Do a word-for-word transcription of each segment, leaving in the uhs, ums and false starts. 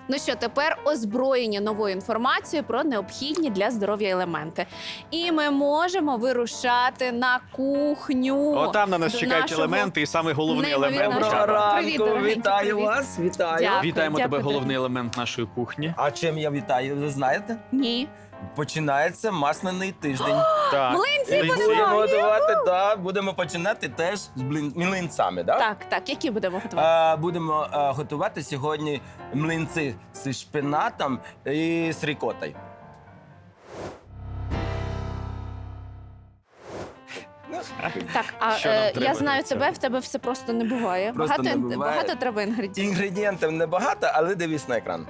Ну що, тепер озброєні новою інформацією про необхідні для здоров'я елементи. І ми можемо вирушати на кухню. Отам на нас до чекають нашого елементи, і саме головний неймовірного елемент. шефа. Чаба. Привіт, ранку, дорогенький, вітаю привіт. вас, вітаю. Дякую. Вітаємо тебе, дякую. головний елемент нашої кухні. А чим я вітаю, ви знаєте? Ні. Починається масляний тиждень. Так. Млинці Млинці. Будемо готувати, так, будемо починати теж з блин- млинцями, так? Так, так, які будемо готувати? А, будемо а, готувати сьогодні млинці з шпинатом і з рікотою. Ну, Так, а Що нам е, треба я знаю для цього? тебе, в тебе все просто не буває. Просто багато, не ін- буває. багато треба інгредієнтів. Інгредієнтів небагато, але дивись на екран.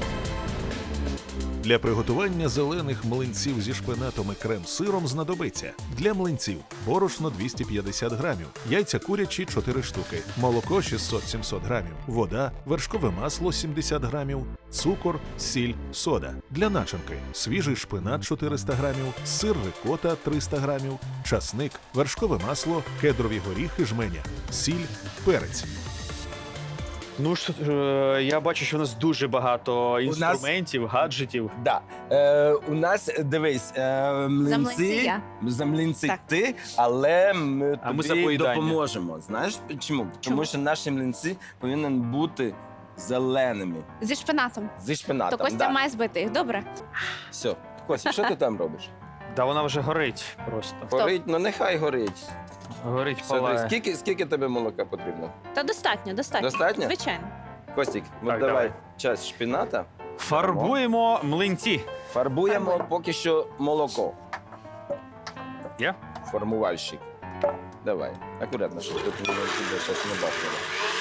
Для приготування зелених млинців зі шпинатом і крем-сиром знадобиться для млинців борошно двісті п'ятдесят грамів, яйця курячі чотири штуки, молоко шістсот сімсот грамів, вода, вершкове масло сімдесят грамів, цукор, сіль, сода. Для начинки свіжий шпинат чотириста грамів, сир рикота триста грамів, часник, вершкове масло, кедрові горіхи жменя, сіль, перець. Ну ж, е, я бачу, що у нас дуже багато інструментів, гаджетів. Да. Е, у нас, дивись, е, млинці, млинці я. за млинці Так. ти, але ми А ми за тобі поїдання. допоможемо. Знаєш чому? Тому що наші млинці повинні бути зеленими, Зі шпинатом. зі шпинатом. То Костя да. має збити їх, добре? Все. Костя, що ти там робиш? Да вона вже горить просто. Горить, ну нехай горить. Горить, Все, дивись, палає. скільки, скільки тобі молока потрібно? Та достатньо, достатньо. Достатньо? Звичайно. Костік, от Так, давай давай. часть шпината. Фарбуємо млинці. Фарбуємо Фарбуємо. поки що молоко. Є? Формувальщик. Давай, акуратно, щоб тут тебе щось не бачило.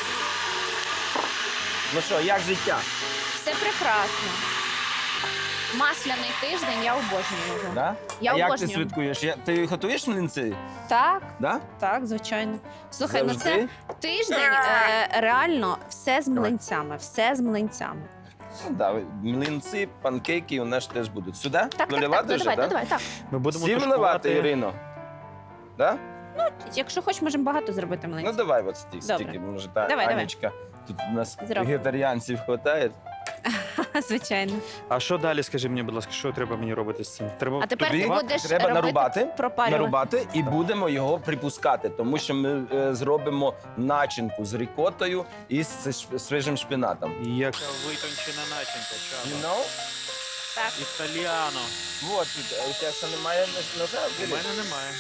Ну що, як життя? Все прекрасно. Масляний тиждень, я обожнюю його. Да? Я а як ти обожнюю. святкуєш? Я- Ти готуєш млинці? Так, Да? так, звичайно. Слухай, ну Завжди? це тиждень е, реально все з млинцями, все з млинцями. Ну, да, млинці, панкейки у нас теж будуть. Сюди? Так, так, так, Доливати ну, вже, давай, да? ну, давай, так. Ми будемо Всі вливати, тушкувати. Ірино? Да? Якщо хочеш, можемо багато зробити Ну млинців. давай от стільки, Добре. стільки. Може, та Давай, давай. Анечка. Тут у нас Зробимо. вегетаріанців вистачає. Звичайно. А що далі, скажи мені, будь ласка, що треба мені робити з цим? Треба А тепер ти Тобі будеш треба робити, нарубати, пропарювати. нарубати і будемо його припускати, тому що ми е, зробимо начинку з рікотою і з ш- свіжим шпинатом. Яка витончена начинка, You Чаба. know? Так. Італіано. Вот, тут, е, у тебе ще немає нож- ножа? У Бери. мене немає.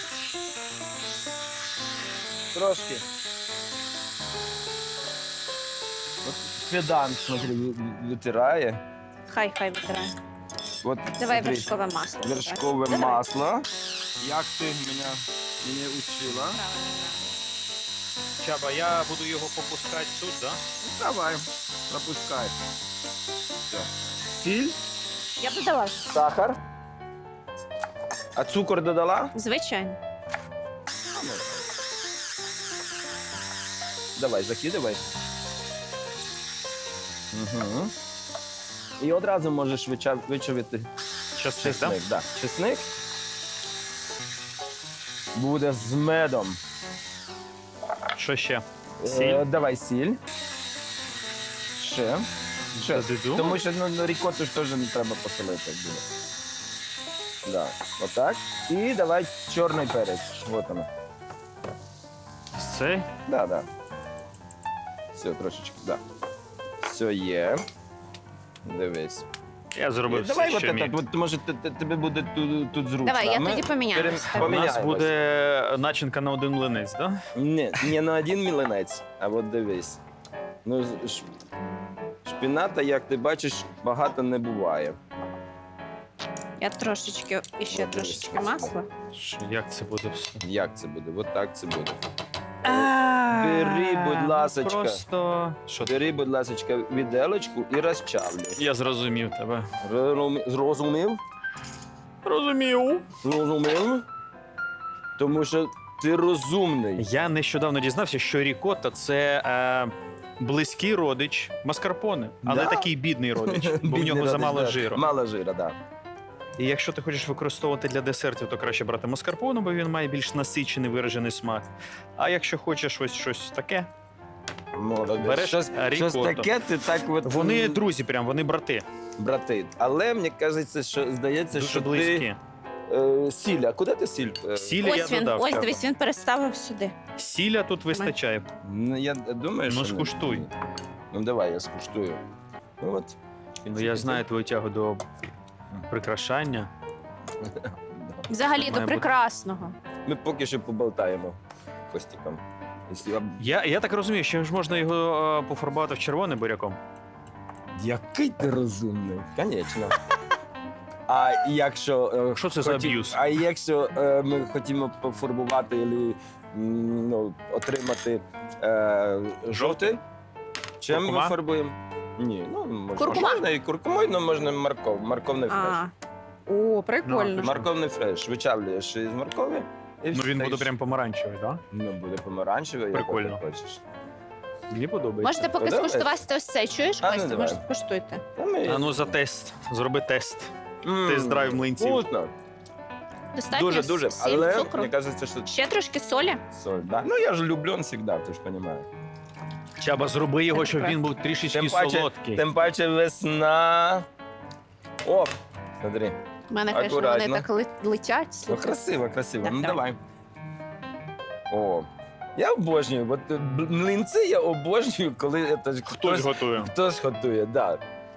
Трошки. От Федан, смотри, ви- витирає. Хай, хай витирає. От, Давай смотри, вершкове масло. вершкове Давай. масло. Як ти мене, мене учила? Правильно. Чаба, я буду його попускати тут, да? Давай, пропускай. Все. Сіль, Я б додала. сахар. А цукор додала? Звичайно. Ну. Давай, закидывай. Угу. І одразу можеш вича- вичавити Часник, да? чесник. Да. Чесник буде з медом. Що ще? Е, Сіль? давай сіль. Ще. Ще. Додиду? Тому що ну, ну, рікоту ж теж не треба посолити. Буде. Да. Отак. І давай чорний перець. Вот воно. Цей? Да, да. Все, трошечки, да. Все є. Дивись. Я зробив Давай все, от що так, міг. от, може т- т- тобі буде тут, тут зручно. Давай, А я ми тоді поміняю. перем- Так. У нас поміняємось. буде начинка на один млинець, да? Ні, не на один мілинець, а от дивись. Ну, з- ш- шпината, як ти бачиш, багато не буває. Я трошечки, і ще От, трошечки дивись. масла. Що, як це буде все? Як це буде? От так це буде. А, Бери, будь ласочка. Просто... Що ти? Бери, будь ласка, віделочку і розчавлюй. Я зрозумів тебе. Розумів? Зрозумів? Розумів. Зрозумів? Тому що ти розумний. Я нещодавно дізнався, що рікотта – це е, близький родич маскарпоне, але Да? такий бідний родич, бо в Бідний нього родич, замало да. жиру. Мало жира, так. І якщо ти хочеш використовувати для десертів, то краще брати маскарпоне, бо він має більш насичений виражений смак. А якщо хочеш ось щось таке, Молодець. Береш щось, щось рікотто. таке, ти так от... Вони м, друзі, прям вони брати. брати. Але мені кажеться, що здається, Дуже що близькі. ти е, сіль. А куди ти сіль? е, Сіль я Ось він, додав. ось треба. дивись, він переставив сюди. Сіля тут вистачає. Ну, я думаю, Ну, що... скуштуй. Не. Ну, давай, я скуштую. Ну, от. Ну, я знаю твою тягу до прикрашання. Взагалі Має до бути. прекрасного. Ми поки що поболтаємо Костіком. Якщо я- Я, я так розумію, що ж можна його е, пофарбувати в червоне буряком. Який ти розумний. Звісно. А якщо... е, Що це за хоті- аб'юз? А якщо е, ми хотімо пофарбувати або ну, отримати е, жовтий, чим ми Куркума? фарбуємо? Ні, ну можна, Куркума? можна і куркумою, але можна морков, морковний фреш. А. О, прикольно. Ну, Морковний фреш. Вичавлюєш із моркові. І Ну він буде встаєш. прям помаранчевий, так? Ну, буде помаранчевий, Прикольно. як ти хочеш. Мені подобається. Можете поки Подобається? скуштувати ось це. Чуєш, А, ну, Костя? давай. Може, скуштуйте. Та ми- А ну за тест. Зроби тест. М, тест-драйв млинців. Вкусно. Достатньо Дуже, дуже. сіль, Але цукру. мені кажеться, що Ще трошки солі. соль. Да. Ну я ж люблю завжди, ти ж розумієш. Чаба, зроби його, Це щоб правда. він був трішечки Тим паче, солодкий. тим паче весна. О, смотри. У мене, звісно, вони Акуратно. так ли- летять. Ну, слухай. красиво, красиво. Так, Ну давай. давай. О. Я обожнюю. От е, б- млинці я обожнюю, коли це ж Хтось готує. хтось готує, да.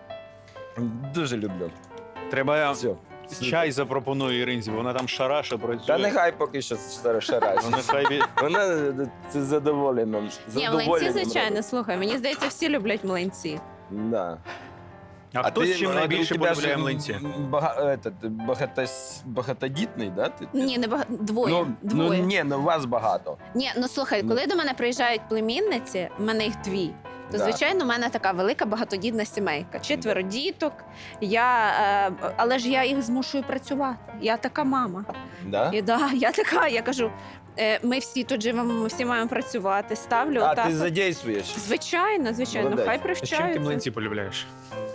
Дуже люблю. Треба Все. чай запропоную Іринзі, вона там шараша працює. Та нехай поки що шараш. Вона хай бі- Вона е, це задоволена. Ні, задоволенням млинці, звичайно, робить. слухай. Мені здається, всі люблять млинці. Да. А хто з чим а найбільше у тебе ж, полюбляє м, млинці? Бага, этот, багатос, багатодітний, да? Ти? Ні, не бага... двоє. Ну, двоє. ну ні, ну вас багато. Ні, ну слухай, Ну. коли до мене приїжджають племінниці, в мене їх дві. То, Да. звичайно, у мене така велика багатодітна сімейка. Четверо діток. Я, е, але ж я їх змушую працювати. Я така мама. Да? І да, я така, я кажу, е, ми всі тут живемо, ми всі маємо працювати. Ставлю А, отак. ти от. задействуєш. Звичайно, звичайно, Молодець. хай З чим ти привчаються. млинці полюбляєш?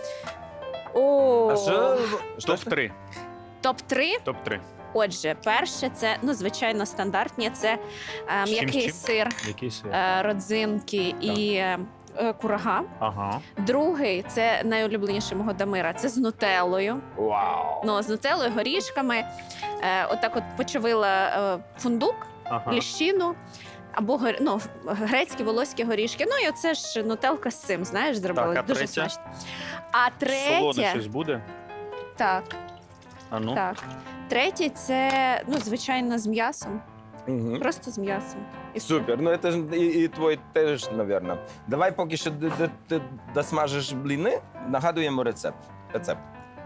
О, А що? що топ три. топ три. топ три. Отже, перше, це ну звичайно стандартні. Це е, З чим, м'який з чим? сир, Який сир? е, родзинки і е, е, курага. Ага. Другий це найулюбленіший мого Дамира. Це з нутеллою. Вау. Ну з нутеллою, горішками. Е, отак, от почавила е, фундук, Ага. ліщину. Або гор- ну, грецькі волоські горішки. Ну і оце ж нутелка з цим, знаєш, зробили. Так, а дуже третє? смачно. А Солоне третє, щось буде? так, А ну. так. Третє це, ну, звичайно, з м'ясом. Угу. Просто з м'ясом. І все. Супер. Ну це ж і, і твій теж, напевно. Давай поки що д- д- ти досмажиш бліни, нагадуємо рецепт. Рецепт.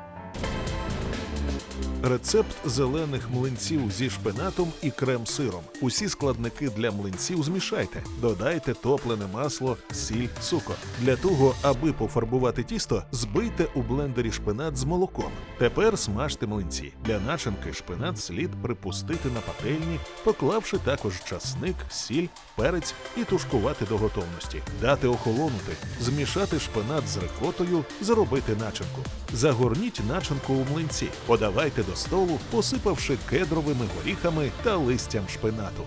Рецепт зелених млинців зі шпинатом і крем-сиром. Усі складники для млинців змішайте. Додайте топлене масло, сіль, цукор. Для того, аби пофарбувати тісто, збийте у блендері шпинат з молоком. Тепер смажте млинці. Для начинки шпинат слід припустити на пательні, поклавши також часник, сіль, перець і тушкувати до готовності. Дати охолонути, змішати шпинат з рикотою, зробити начинку. Загорніть начинку у млинці. Подавайте до столу, посипавши кедровими горіхами та листям шпинату.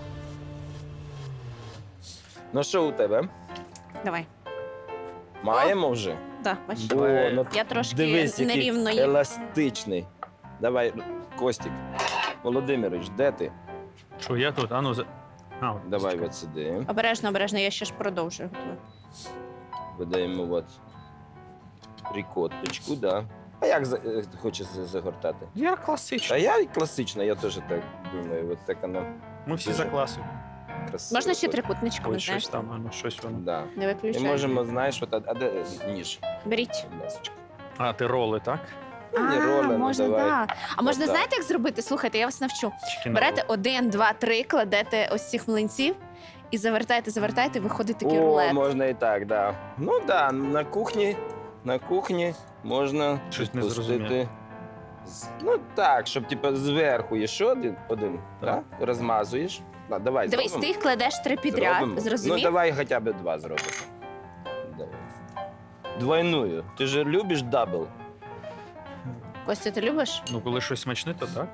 Ну що у тебе? Давай. Маємо вже? Да, бачиш. О, ну, Я трошки дивись, який нерівно їм. еластичний. Давай, Костік. Володимирович, де ти? Що я тут? А ну за. А, от. Давай от сюди. Обережно, обережно, я ще ж продовжую. Видаємо от рікотточку, да. А як за- е, хочеш за- загортати? Я А класичний. я і класично, я теж так думаю. От так воно Ми всі Дуже. за класом. красиво. Можна ще От. трикутничками, Ось знаєш? щось там, а ну щось воно. Да. Не І виключай. можемо, знаєш, от, а, а де ніж? Беріть. Будь ласочка. А, ти роли, так? Ну, не а, роля, ну, можна, давай. да. А можна, Отак. знаєте, як зробити? Слухайте, я вас навчу. Чики на Берете роли. один, два, три, кладете ось цих млинців і завертаєте, завертаєте, виходить такий О, рулет. можна і так, да. Ну да, на кухні, на кухні можна Щось не пустити зрозумів. з- Ну так, щоб типу зверху є ще один, один Так. да? розмазуєш. Да, давай, Дивись, зробимо. ти їх кладеш три підряд, Зробимо. зрозумів? Ну давай хоча б два зробимо. Давай. Двойную. Ти ж любиш дабл? Костя, ти любиш? Ну, коли щось смачне, то так.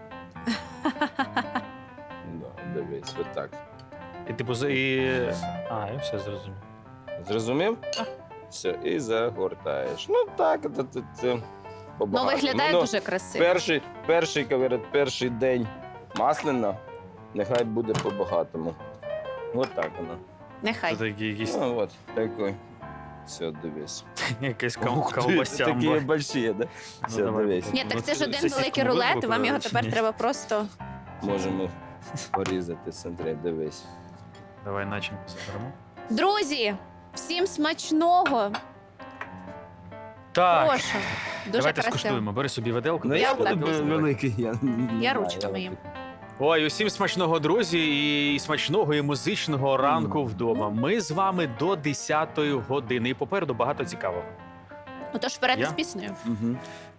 Да, дивись, от так. І типу за- і. А, я все зрозумів. Зрозумів? Все, і загортаєш. Ну так, це, це, це Ну, побагато. виглядає Ну, дуже красиво. Перший, перший, говорять, перший день маслина, нехай буде по-багатому. От так воно. Нехай. Це такі якісь Ну, от, такий. Все, дивись. якась Ух ти, ковбася. Такі больші, да? Все, давай. дивись. Ні, так це ж Ну, один сосиску великий ми будемо рулет, вам його викладати чи тепер ні? треба просто. Можемо порізати, смотри, дивись. Давай начинку заберемо. Друзі, всім смачного! Так, Прошу. Дуже давайте красиво. скуштуємо. Бери собі виделку. Ну, я я так. буду великий. Я, не Я знаю, ручками я їм. Ой, усім смачного, друзі, і смачного і музичного ранку вдома. Ми з вами до десятої години. І попереду багато цікавого. Отож, вперед Я? із піснею. Мгм.